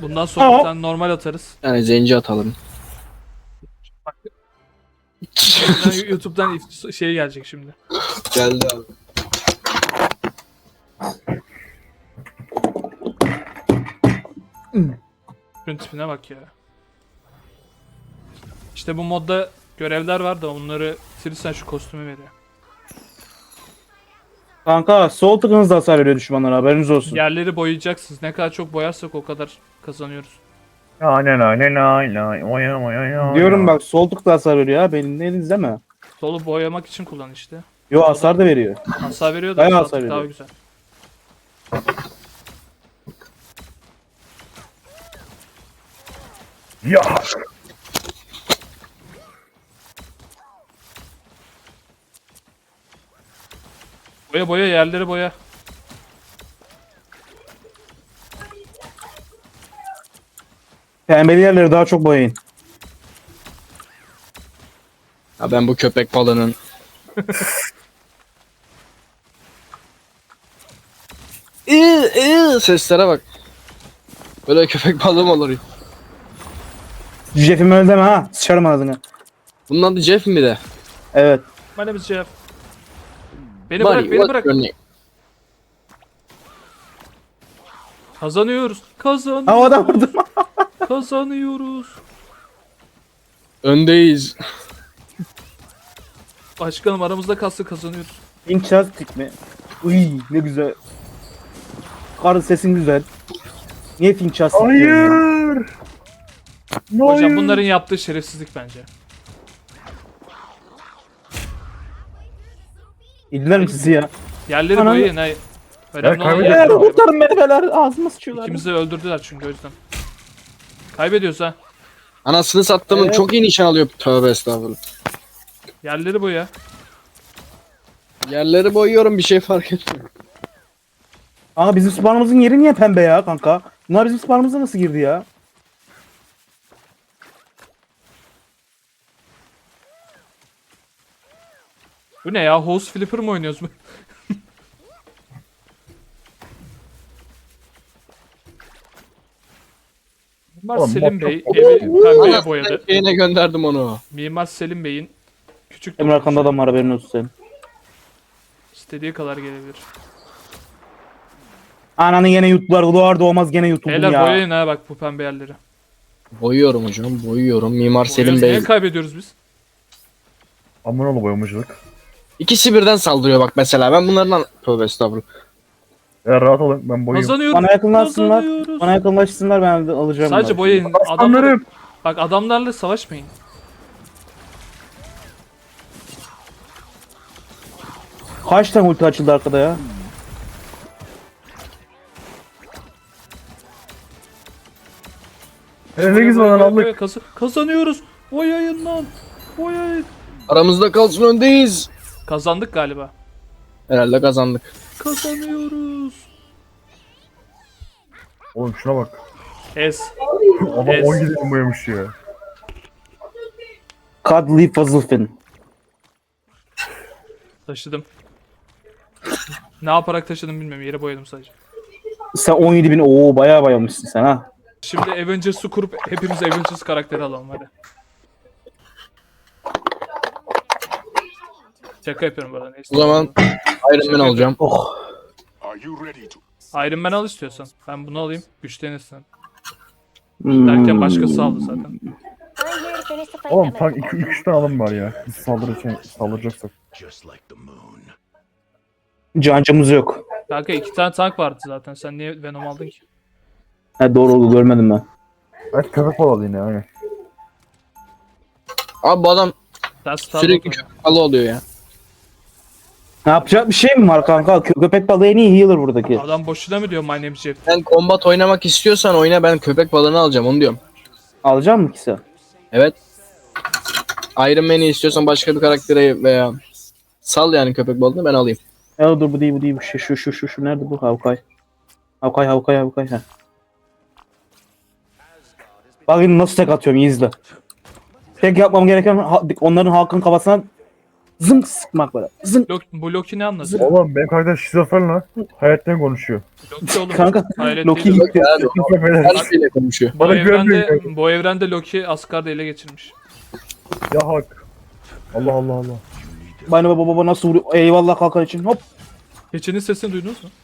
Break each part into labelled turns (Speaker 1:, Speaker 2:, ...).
Speaker 1: Bundan sonra bir tane normal atarız.
Speaker 2: Yani zenci atalım.
Speaker 1: YouTube'dan şey gelecek şimdi.
Speaker 2: Geldi abi.
Speaker 1: Şunun tipine bak ya. İşte bu modda görevler var da onları bitirirsen şu kostümü veriyor.
Speaker 3: Kanka sol tıkınız da hasar veriyor düşmanlara, haberiniz olsun.
Speaker 1: Yerleri boyayacaksınız. Ne kadar çok boyarsak o kadar kazanıyoruz.
Speaker 3: Diyorum bak, sol tık da hasar veriyor ha, benim eliniz değil mi?
Speaker 1: Solu boyamak için kullan işte.
Speaker 3: Yo, hasar da veriyor.
Speaker 1: Hasar veriyor da
Speaker 3: Bayağı
Speaker 1: sağ
Speaker 3: hasar
Speaker 1: tık daha
Speaker 3: veriyor.
Speaker 1: güzel.
Speaker 4: Ya.
Speaker 1: Boya boya yerleri boya.
Speaker 3: Pembeli yerleri daha çok boyayın.
Speaker 2: Ya ben bu köpek balığının seslere bak. Böyle köpek balığı mı olur ya?
Speaker 3: Jeff'im öyle deme ha, sıçarım ağzını.
Speaker 2: Bunun adı Jeff mi de?
Speaker 3: Evet.
Speaker 1: My name is Jeff. Beni
Speaker 2: Buddy,
Speaker 1: bırak, beni
Speaker 2: what's
Speaker 1: bırak.
Speaker 2: your name?
Speaker 1: Kazanıyoruz. Kazanıyoruz.
Speaker 3: Havada vurdum.
Speaker 1: Kazanıyoruz.
Speaker 2: Öndeyiz.
Speaker 1: Başkanım aramızda kalsın kazanıyoruz.
Speaker 3: Fantastic mi? Uy, ne güzel. Karın sesin güzel. Niye Fantastic diyorsun ya?
Speaker 4: Hayır.
Speaker 1: Hocam bunların yaptığı şerefsizlik bence.
Speaker 3: İlgiler mi sizi ya?
Speaker 1: Yerleri
Speaker 3: Anam.
Speaker 1: boyayın hay. Önemli olan
Speaker 4: kaybediyoruz.
Speaker 1: yerleri boyamak.
Speaker 3: Kurtarın beni beyler, ağzıma sıçıyorlar.
Speaker 1: İkimizi de öldürdüler çünkü o yüzden. Kaybediyoruz ha.
Speaker 2: Anasını sattımın
Speaker 3: Evet.
Speaker 2: çok iyi nişan alıyor. Tövbe estağfurullah.
Speaker 1: Yerleri boya.
Speaker 2: Yerleri boyuyorum, bir şey fark etmiyor.
Speaker 3: Kanka bizim spawnımızın yeri niye pembe ya kanka? Bunlar bizim spawnımıza nasıl girdi ya?
Speaker 1: Bu ne ya? House Flipper mı oynuyoruz mu? Mimar
Speaker 4: Oğlum,
Speaker 1: Selim
Speaker 4: bak-
Speaker 1: Bey evi pembeye
Speaker 2: Anasını
Speaker 1: boyadı.
Speaker 2: şeyine gönderdim onu.
Speaker 1: Mimar Selim Bey'in küçük
Speaker 3: Emre arkanda adam var, haberin olsun senin.
Speaker 1: istediği kadar gelebilir.
Speaker 3: Ananı yine yuttular, doğar doğmaz gene yutuldum
Speaker 1: Beyler
Speaker 3: ya.
Speaker 1: boyayın ha bak bu pembe yerleri.
Speaker 2: Boyuyorum hocam, boyuyorum. Mimar Selim
Speaker 1: Boyuyoruz,
Speaker 2: Bey.
Speaker 1: niye kaybediyoruz biz?
Speaker 4: Aman oğlum boyamacılık.
Speaker 2: İkisi birden saldırıyor bak mesela. Ben bunlardan... Tövbe estağfurullah.
Speaker 4: Ya rahat olun, ben boyuyorum.
Speaker 1: Kazanıyoruz.
Speaker 3: Bana yakınlaşsınlar.
Speaker 1: Kazanıyoruz.
Speaker 3: Bana yakınlaşsınlar, ben de alacağım.
Speaker 1: Sadece
Speaker 3: bunları.
Speaker 1: boyayın.
Speaker 4: Aslanlarım.
Speaker 1: Bak adamlarla savaşmayın.
Speaker 3: Kaç tane ulti açıldı arkada ya?
Speaker 4: Ne güzel lan aldık.
Speaker 1: Kazanıyoruz. Boyayın lan. Boyayın.
Speaker 2: Aramızda kalsın, öndeyiz.
Speaker 1: Kazandık galiba.
Speaker 2: Herhalde kazandık.
Speaker 1: Kazanıyoruz.
Speaker 4: Oğlum şuna bak.
Speaker 1: Es.
Speaker 4: Adam
Speaker 1: Yes.
Speaker 4: 10 gidelim boyamış ya.
Speaker 3: Cuddly Fuzzlefin.
Speaker 1: Taşıdım. Ne yaparak taşıdım bilmiyorum. Yere boyadım sadece.
Speaker 3: Sen 17.000, ooo bayağı bayamışsın sen ha.
Speaker 1: Şimdi Avengers'ı kurup hepimiz Avengers karakteri alalım hadi. Şaka yapıyorum bu arada. Neyse.
Speaker 2: O zaman Iron Man alacağım.
Speaker 3: Oh.
Speaker 1: Iron Man al istiyorsan. Ben bunu alayım. Güçlenirsin.
Speaker 3: Hmm.
Speaker 1: Derken başkası aldı zaten.
Speaker 4: Oğlum tank 2-3 tane alım var ya. Biz saldıracaksak.
Speaker 3: Cancımız yok.
Speaker 1: Kanka 2 tane tank vardı zaten. Sen niye Venom aldın ki?
Speaker 3: Ha, doğru oldu, görmedim ben.
Speaker 4: Belki köpek balığı yine aynen.
Speaker 2: Abi bu adam
Speaker 1: Sen
Speaker 2: sürekli köpek balığı oluyor ya.
Speaker 3: Ne yapacak bir şey mi var kanka? Köpek balığı en iyi healer buradaki.
Speaker 1: Adam boşuna mı diyor My name is Jeff?
Speaker 2: Sen combat oynamak istiyorsan oyna, ben köpek balığını alacağım onu diyorum.
Speaker 3: Alacak mı ki sen?
Speaker 2: Evet. Iron Man'i istiyorsan başka bir karaktere veya sal yani köpek balığını, ben alayım.
Speaker 3: Ya dur, bu değil, bu değil, bu şey, şu nerede bu? Havkay. Havkay. Ha. Bakın nasıl tek atıyorum, iyi izle. Tek yapmam gereken onların halkın kafasına Zınk sıkmak böyle. Zınk.
Speaker 1: Bu Loki ne anladı?
Speaker 4: Oğlum benim karakter şizofren lan. Hayattan konuşuyor.
Speaker 1: Loki oğlum.
Speaker 3: Kanka
Speaker 1: Hayret
Speaker 3: Loki
Speaker 1: değil.
Speaker 3: gitti.
Speaker 2: Her şeyle konuşuyor.
Speaker 1: Bu
Speaker 4: Bana
Speaker 1: evrende,
Speaker 4: güvenmiyor.
Speaker 1: bu evrende Loki Asgard'ı ele geçirmiş.
Speaker 4: Ya hak. Allah Allah Allah.
Speaker 3: Bana baba nasıl vuruyor? Eyvallah kalkan için. Hop.
Speaker 1: Keçinin sesini duydunuz mu?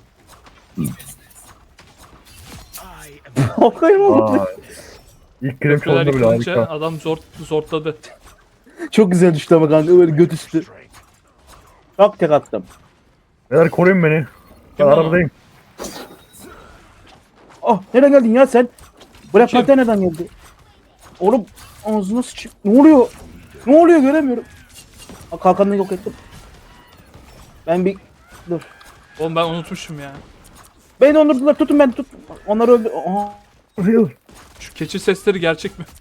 Speaker 3: Kalkayım oğlum.
Speaker 4: Aa. İlk krem
Speaker 1: Köprüler
Speaker 4: çalında bile
Speaker 1: yıkılınca
Speaker 4: harika.
Speaker 1: adam zortladı.
Speaker 3: Çok güzel düştü ama kanka böyle göt üstü. Çok tek attım.
Speaker 4: Beyler koruyun beni. Ben
Speaker 1: Kim lan o?
Speaker 4: arabadayım.
Speaker 3: Ah nereden geldin ya sen? Black
Speaker 1: Kim?
Speaker 3: Panther nereden geldi? Oğlum ağzına sıçayım. Ne oluyor? Ne oluyor göremiyorum. Aa, kalkanını yok ettim. Ben bir... Dur.
Speaker 1: Oğlum ben unutmuşum ya.
Speaker 3: Beni dondurdular tutun ben tut. Onları öldü. Aha.
Speaker 4: Hayır.
Speaker 1: Şu keçi sesleri gerçek mi?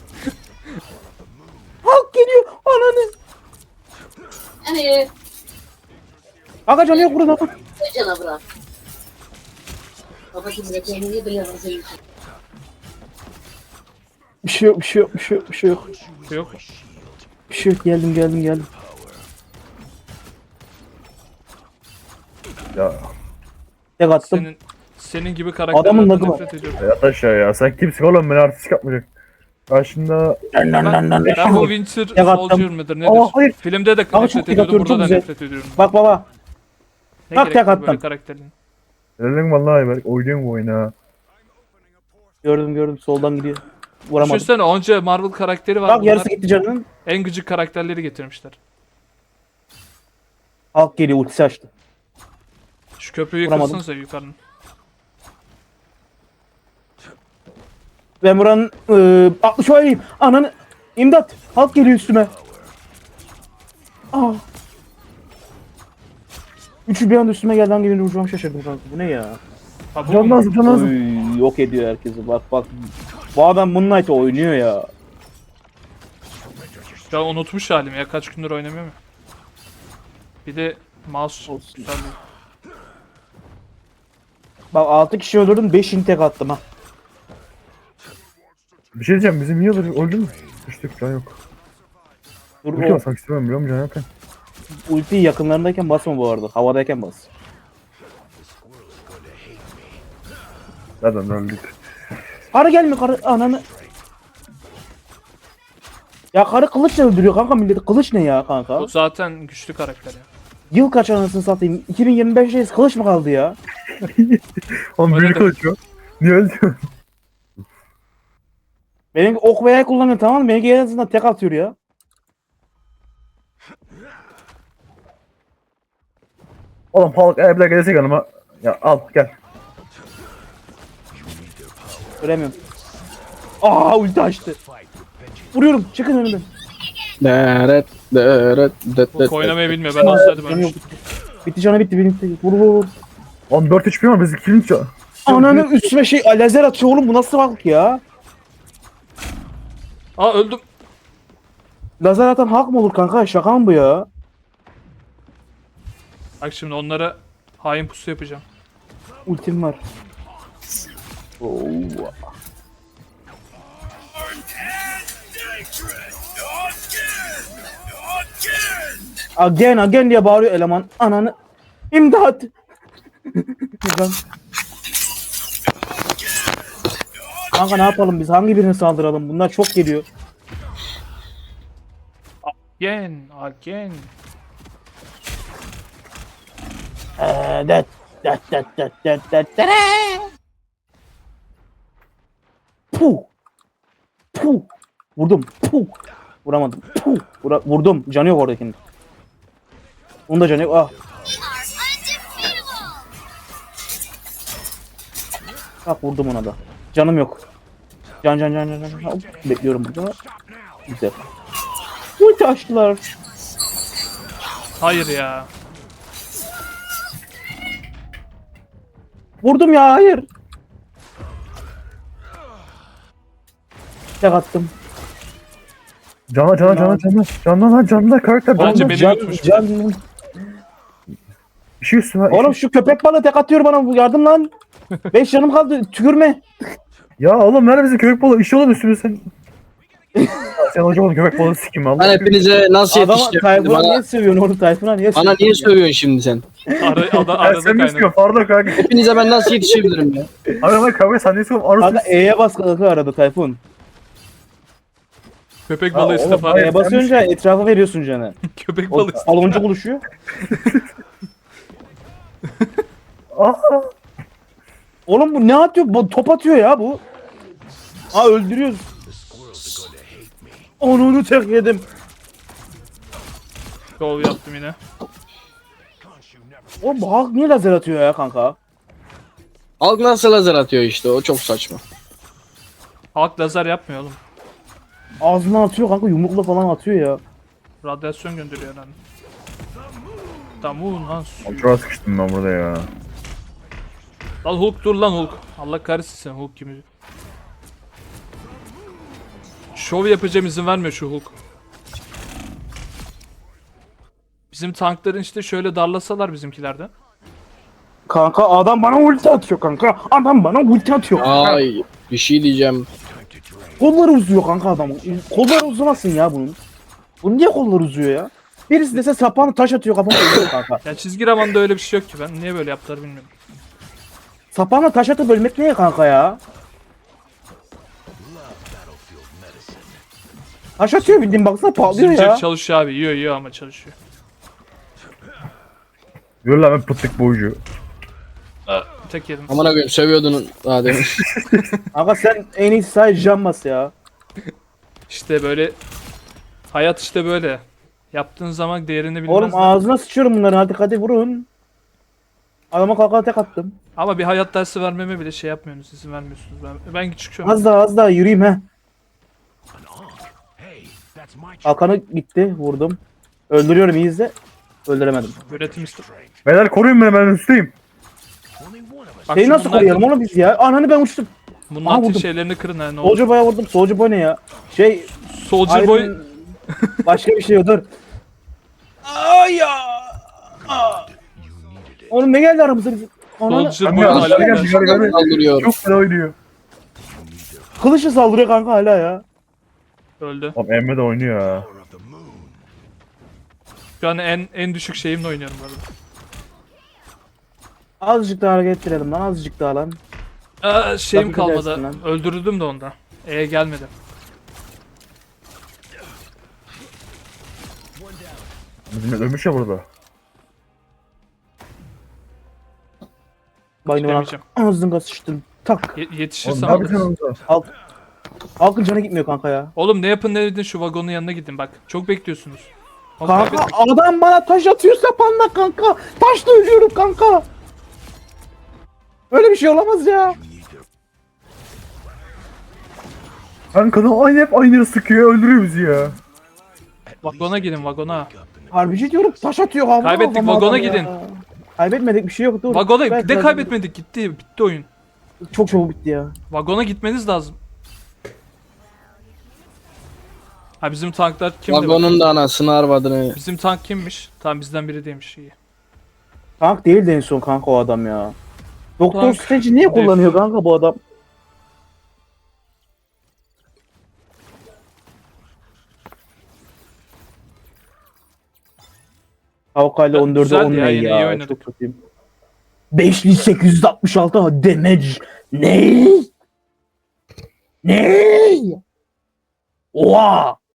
Speaker 3: Halk geliyor. Ananı.
Speaker 5: Hani
Speaker 3: Aga canı yok burada.
Speaker 5: cana bırak. Babacım da kendini bile hazır.
Speaker 3: Bir şey yok bir şey yok bir şey yok bir şey yok.
Speaker 1: Yok.
Speaker 3: Bir şey yok geldim.
Speaker 4: Ya
Speaker 3: Tek attım.
Speaker 1: Senin gibi
Speaker 3: Adamın
Speaker 1: karakterlerden
Speaker 3: lagı var.
Speaker 1: nefret ediyorum.
Speaker 4: yat aşağı ya. Sen kimsin oğlum, beni artistik yapmayacak. Karşında
Speaker 1: Ben bu Winter
Speaker 3: Tek attım.
Speaker 1: Soldier mıdır nedir?
Speaker 3: Aa, hayır.
Speaker 1: Filmde de
Speaker 3: Ama
Speaker 1: nefret
Speaker 3: çok tek
Speaker 1: ediyordum,
Speaker 3: atıyorum,
Speaker 1: burada
Speaker 3: çok
Speaker 1: da
Speaker 3: güzel.
Speaker 1: nefret ediyorum.
Speaker 3: Bak baba.
Speaker 1: Ne
Speaker 3: tak,
Speaker 1: gerek var
Speaker 3: attım.
Speaker 1: böyle karakterin?
Speaker 4: dedim vallahi ben oynuyorum bu oyunu ha.
Speaker 3: Gördüm soldan gidiyor. Vuramadım.
Speaker 1: Düşünsene onca Marvel karakteri var.
Speaker 3: Bak
Speaker 1: Bunlar
Speaker 3: yarısı gitti canının.
Speaker 1: en gıcık karakterleri getirmişler.
Speaker 3: Halk geliyor ultisi açtı.
Speaker 1: Şu köprüyü
Speaker 3: Vuramadım.
Speaker 1: yıkılsanıza yukarının.
Speaker 3: Ben buranın 60 oynayayım. Ananı. İmdat. Halk geliyor üstüme. Aa. Üçü bir anda üstüme geldi, hangi birini vuracağımı şaşırdım kanka. Bu ne ya?
Speaker 1: Ha, bu
Speaker 4: Can
Speaker 1: mu?
Speaker 4: lazım, can lazım.
Speaker 3: Oy, yok ediyor herkesi. Bak. Bu adam Moonlight oynuyor ya.
Speaker 1: Ya unutmuş halim ya, kaç gündür oynamıyorum ya. Bir de mouse
Speaker 3: Olsun.
Speaker 1: güzel değil.
Speaker 3: Bak 6 kişi öldürdüm, 5'ini tek attım ha.
Speaker 4: Bir şey diyeceğim, bizim niye öldü mü? Düştük, can yok.
Speaker 3: Dur,
Speaker 4: Ulti
Speaker 3: o
Speaker 4: basmak istemem biliyor musun, can yok.
Speaker 3: ultiyi yakınlarındayken basma bu arada. Havadayken bas.
Speaker 4: Nereden öldük?
Speaker 3: Karı gelme karı, ananı. Ya karı kılıçla öldürüyor kanka milleti. Kılıç ne ya kanka?
Speaker 1: Bu zaten güçlü karakter ya.
Speaker 3: Yıl kaç anasını satayım? 2025'teyiz, kılıç mı kaldı ya?
Speaker 4: Oğlum
Speaker 1: Öyle
Speaker 4: büyük
Speaker 1: de-
Speaker 4: kılıç yok. Niye öldü?
Speaker 3: Benim ok ve yay kullanıyor, tamam mı? Benimki en azından tek atıyor ya.
Speaker 4: Oğlum Hulk eğer bir daha gelsek yanıma. Ya al gel.
Speaker 3: Göremiyorum. Aa ulti açtı. Vuruyorum, çıkın önümden.
Speaker 1: Bu oynamayı bilmiyor, ben olsaydım
Speaker 3: Canım yok.
Speaker 1: ölmüştüm.
Speaker 3: Bitti canı bitti, bitti. Vur.
Speaker 4: 14 HP var, biz 2. can.
Speaker 3: Ananı üstüme şey lazer atıyor oğlum, bu nasıl halk ya?
Speaker 1: Aa öldüm.
Speaker 3: Lazer atan halk mı olur kanka? Şaka mı bu ya?
Speaker 1: Bak şimdi onlara hain pusu yapacağım.
Speaker 3: Ultim var. Oo. Again diye bağırıyor eleman. Ananı. İmdat. Lan. Kanka ne yapalım biz? Hangi birine saldıralım? Bunlar çok geliyor.
Speaker 1: Again.
Speaker 3: Dat. Puh. Vurdum. Puh. Vuramadım. Puh. Vurdum. Canı yok oradakinin. Onun da canı yok. Ah. Bak vurdum ona da. Canım yok. Can. Hop, bekliyorum burada. Güzel. Ulti açtılar.
Speaker 1: Hayır ya.
Speaker 3: Vurdum ya, hayır. Tek attım.
Speaker 4: Canla karakter.
Speaker 1: Bence
Speaker 4: Canla.
Speaker 1: beni
Speaker 3: Can-
Speaker 1: yutmuş.
Speaker 3: can-
Speaker 4: Bir şey üstüme.
Speaker 3: Oğlum şu köpek balığı tek atıyor bana, bu yardım lan. 5 canım kaldı, tükürme.
Speaker 4: Ya oğlum nerede bizim köpek balığı? İşi oğlum üstüme sen. Sen hoca olun köpek balığı sikim
Speaker 2: Ben
Speaker 4: Allah.
Speaker 2: hepinize nasıl
Speaker 3: Adama
Speaker 2: yetişeceğim?
Speaker 3: Tayfun'a
Speaker 2: Bana,
Speaker 3: niye sövüyorsun oğlum? Tayfun'a niye
Speaker 2: bana niye sövüyorsun şimdi sen?
Speaker 1: Arada
Speaker 4: Sen ne
Speaker 1: kaynadı.
Speaker 4: sıkıyorsun? Pardon kanka.
Speaker 2: Hepinize ben nasıl yetişebilirim ya?
Speaker 4: Arada kavga sen ne sıkıyorsun?
Speaker 3: Kanka
Speaker 4: Arası.
Speaker 3: E'ye bas kanka arada Tayfun.
Speaker 1: Köpek
Speaker 4: Ha,
Speaker 1: balığı
Speaker 4: oğlum,
Speaker 1: istifa.
Speaker 4: hayır.
Speaker 3: E'ye basınca etrafa veriyorsun canı.
Speaker 1: Köpek
Speaker 3: O
Speaker 1: balığı istifa.
Speaker 3: baloncu buluşuyor.
Speaker 4: Aa.
Speaker 3: Oğlum bu ne atıyor? Bu top atıyor ya bu. Aa öldürüyoruz. Onu tek yedim.
Speaker 1: Yol yaptım yine.
Speaker 3: Oğlum bu Hulk niye lazer atıyor ya kanka?
Speaker 2: Halk nasıl lazer atıyor işte o çok saçma.
Speaker 1: Halk lazer yapmıyor oğlum.
Speaker 3: Ağzına atıyor kanka yumrukla falan atıyor ya.
Speaker 1: Radyasyon gönderiyor herhalde. Tamam lan.
Speaker 4: Çok sıkıştım ben burada ya.
Speaker 1: Lan Hulk dur lan Hulk. Allah kahretsin sen Hulk kimi. Şov yapacağım izin vermiyor şu Hulk. Bizim tankların işte şöyle darlasalar bizimkilerden.
Speaker 3: Kanka adam bana ulti atıyor kanka. Adam bana ulti atıyor kanka.
Speaker 2: Ay bir şey diyeceğim.
Speaker 3: Kolları uzuyor kanka adamın. Kolları uzamasın ya bunun. Bunun niye kolları uzuyor ya? Birisi dese sapağını taş atıyor kafama ölüyor kanka.
Speaker 1: Ya çizgi romanda öyle bir şey yok ki ben niye böyle yaptılar bilmiyorum.
Speaker 3: Sapağına taş atıp ölmek ne kanka ya? Taş atıyor bildiğin baksana patlıyor
Speaker 1: Bizim
Speaker 3: ya.
Speaker 1: Jack çalışıyor abi yiyor ama çalışıyor.
Speaker 4: Yürü lan ben pıttık boyucu.
Speaker 1: Tek yedim.
Speaker 2: Amına koyayım sövüyordun daha demin.
Speaker 3: Kanka sen en iyisi sadece can bas ya.
Speaker 1: İşte böyle hayat işte böyle. Yaptığın zaman değerini
Speaker 3: Oğlum
Speaker 1: bilmezler.
Speaker 3: ağzına sıçıyorum bunları hadi vurun. Adama kalkana tek attım.
Speaker 1: Ama bir hayat dersi vermeme bile şey yapmıyorsunuz, izin vermiyorsunuz. Ben çıkıyorum.
Speaker 3: Az daha yürüyeyim he. Kalkanı gitti vurdum. Öldürüyorum iyi izle. Öldüremedim.
Speaker 1: Üretim işte.
Speaker 4: Beyler koruyun beni ben üstteyim.
Speaker 1: Bak
Speaker 3: Şeyi
Speaker 1: şu
Speaker 3: nasıl
Speaker 1: bunlar-
Speaker 3: koruyalım oğlum biz ya? Ananı ben uçtum.
Speaker 1: Bunun
Speaker 3: Aa,
Speaker 1: atın
Speaker 3: vurdum.
Speaker 1: şeylerini kırın ha ne olur.
Speaker 3: Soldier Boy'a vurdum. Soldier Boy ne ya?
Speaker 1: Soldier Boy
Speaker 3: Iron- Başka bir şey yok dur. Ay ya. Aa. Oğlum ne geldi aramıza bizim? Ananı.
Speaker 1: Soldier
Speaker 4: Kanka
Speaker 1: Boy
Speaker 4: aşağı
Speaker 1: hala
Speaker 4: gel yukarı gel.
Speaker 2: Saldırıyor.
Speaker 4: Çok fena oynuyor.
Speaker 3: Kılıçla saldırıyor kanka hala ya.
Speaker 1: öldü.
Speaker 4: Oğlum Emre de oynuyor ya.
Speaker 1: Şu an en düşük şeyimle oynuyorum bu arada.
Speaker 3: Azıcık daha hareket ettirelim lan azıcık daha lan.
Speaker 1: Şeyim
Speaker 3: Lafı
Speaker 1: kalmadı.
Speaker 3: gidersin lan.
Speaker 1: Öldürüldüm de onda. Gelmedi.
Speaker 4: Bizim ölmüş ya burada.
Speaker 3: Bayını bana
Speaker 1: Demeyeceğim.
Speaker 3: ağzına sıçtın. Tak.
Speaker 4: Oğlum
Speaker 1: Yetişirsem
Speaker 4: ne
Speaker 1: alırız.
Speaker 4: yapacaksın orada?
Speaker 3: Halkın canı gitmiyor kanka ya.
Speaker 1: Oğlum ne yapın ne edin şu vagonun yanına gidin bak. Çok bekliyorsunuz. Oğlum
Speaker 3: Kanka
Speaker 1: kaybettik.
Speaker 3: adam bana taş atıyor sapanla kanka. Taşla ölüyorum kanka. Öyle bir şey olamaz ya.
Speaker 4: Kanka da aynı hep aynı sıkıyor öldürüyor bizi ya.
Speaker 1: Vagona gidin vagona.
Speaker 3: Harbici diyorum taş atıyor havada.
Speaker 1: Kaybettik,
Speaker 3: havada
Speaker 1: vagona
Speaker 3: adam ya.
Speaker 1: gidin.
Speaker 3: Kaybetmedik bir şey yok dur.
Speaker 1: Vagona
Speaker 3: Belki
Speaker 1: de
Speaker 3: biraz-
Speaker 1: kaybetmedik gitti. Bitti oyun.
Speaker 3: Çok çabuk bitti ya.
Speaker 1: Vagona gitmeniz lazım. Ha bizim tanklar kimdi?
Speaker 2: Vagonun da anasını arvadını.
Speaker 1: Bizim tank kimmiş? Tamam bizden biri değilmiş iyi.
Speaker 3: Tank değildi en son kanka o adam ya. Doktor
Speaker 1: Tank.
Speaker 3: Strange'i niye kullanıyor kanka bu adam? Havkayla 14'e
Speaker 1: Güzeldi
Speaker 3: 10
Speaker 1: ya,
Speaker 3: ne
Speaker 1: yine iyi
Speaker 3: ya?
Speaker 1: oynadık.
Speaker 3: Çok kötüyüm. 5866 damage. Ne? Ne? Oha!